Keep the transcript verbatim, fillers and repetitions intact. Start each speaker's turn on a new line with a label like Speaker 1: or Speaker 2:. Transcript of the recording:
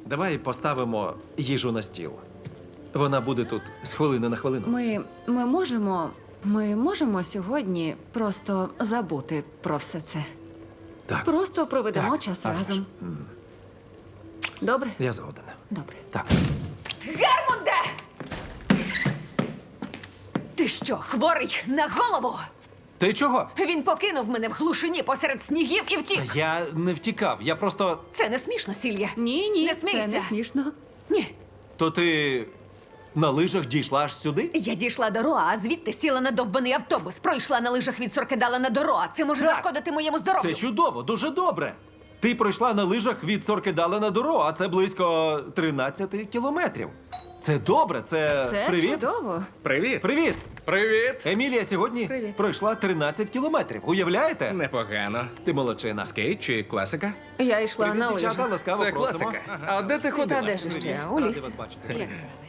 Speaker 1: давай поставимо їжу на стіл. Вона буде тут з хвилини на хвилину.
Speaker 2: Ми, ми можемо. Ми можемо сьогодні просто забути про все це.
Speaker 1: Так,
Speaker 2: Просто проведемо
Speaker 1: Так,
Speaker 2: час
Speaker 1: а вже ж.
Speaker 2: разом. Добре?
Speaker 1: я згоден.
Speaker 2: Добре.
Speaker 1: Так.
Speaker 3: Гермунде! Ти що, хворий на голову?
Speaker 1: Ти чого?
Speaker 3: Він покинув мене в глушині посеред снігів і втік.
Speaker 1: Я не втікав, я просто.
Speaker 3: Це не смішно, Сілья.
Speaker 2: Ні, ні,
Speaker 3: Не
Speaker 2: це
Speaker 3: смійся.
Speaker 2: не смішно.
Speaker 3: Ні.
Speaker 1: То ти на лижах дійшла аж сюди?
Speaker 3: Я дійшла до Роа, а звідти сіла на довбаний автобус. Пройшла на лижах від Соркедала на Дороа. Це може
Speaker 1: Так.
Speaker 3: зашкодити моєму здоров'ю.
Speaker 1: Це чудово, дуже добре. Ти пройшла на лижах від Соркедала на Доро, а це близько тринадцяти кілометрів. Це добре, це,
Speaker 2: Це
Speaker 1: привіт.
Speaker 2: чудово.
Speaker 4: Привіт!
Speaker 1: Привіт!
Speaker 4: Привіт!
Speaker 1: Емілія сьогодні
Speaker 3: Привіт.
Speaker 1: пройшла тринадцять кілометрів. Уявляєте?
Speaker 4: Непогано.
Speaker 1: Ти молодчина.
Speaker 4: Скейт чи класика?
Speaker 3: Я йшла
Speaker 1: Привіт,
Speaker 3: на
Speaker 1: дівчата,
Speaker 3: лижах.
Speaker 1: ласкаво
Speaker 4: Це
Speaker 1: просимо.
Speaker 4: класика. А де ти
Speaker 3: Та
Speaker 4: ходила?
Speaker 3: де ж ще? У
Speaker 1: Ради
Speaker 3: лісі.
Speaker 1: вас бачити.
Speaker 3: Як справи?